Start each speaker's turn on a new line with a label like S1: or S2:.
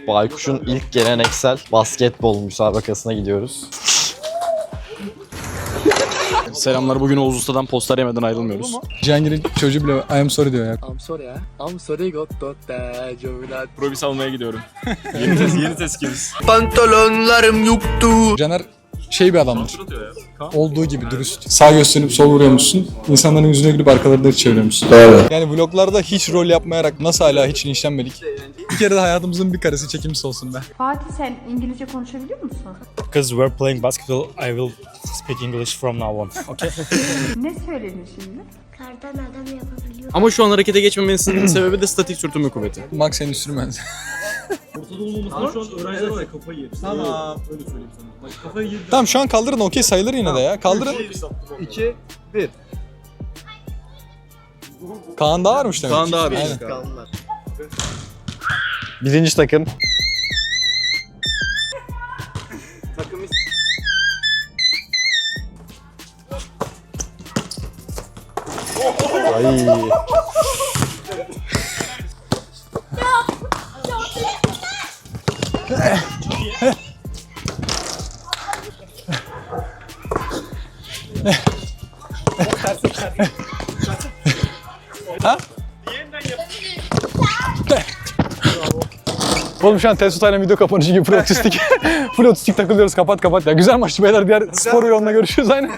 S1: Baykuş'un ilk geleneksel basketbol müsabakasına gidiyoruz.
S2: Selamlar. Bugün Oğuz Usta'dan poster yemeden ayrılmıyoruz.
S3: Cihangir'in çocuğu bile I am sorry diyor ya.
S4: I'm sorry ya. I'm sorry got that jovilat.
S2: Probis almaya gidiyorum. yeni tezkimiz.
S4: Pantolonlarım yoktu.
S3: Caner bir adamdır. Olduğu gibi dürüst. Sağ gösterip sol vuruyormuşsun. İnsanların yüzüne gülüp arkalarını çeviriyormuşsun. Yani vloglarda hiç rol yapmayarak nasıl hala hiç linçlenmedik. Bir kere de hayatımızın bir karesi çekimsiz olsun be.
S5: Fatih sen İngilizce konuşabiliyor musun?
S6: Because we're playing basketball, I will speak English from now on. Okay?
S5: Ne söyledin şimdi?
S7: Kardan adam yapabiliyor.
S2: Ama şu an harekete geçmemesinin sebebi de statik sürtünme kuvveti.
S3: Max seni sürmez. Tamam şu an kaldırın okey sayılır yine de ya. Kaldırın.
S4: 2, 1.
S3: Kaan daha varmış demek.
S2: Kaan daha varmış.
S3: Aynen.
S1: Birinci takım. Ay.
S3: Oğlum şu an Tesutay'la video kapanışı gibi full otistik takılıyoruz kapat ya. Güzel maçtı beyler, diğer spor yoluna görüşürüz aynen.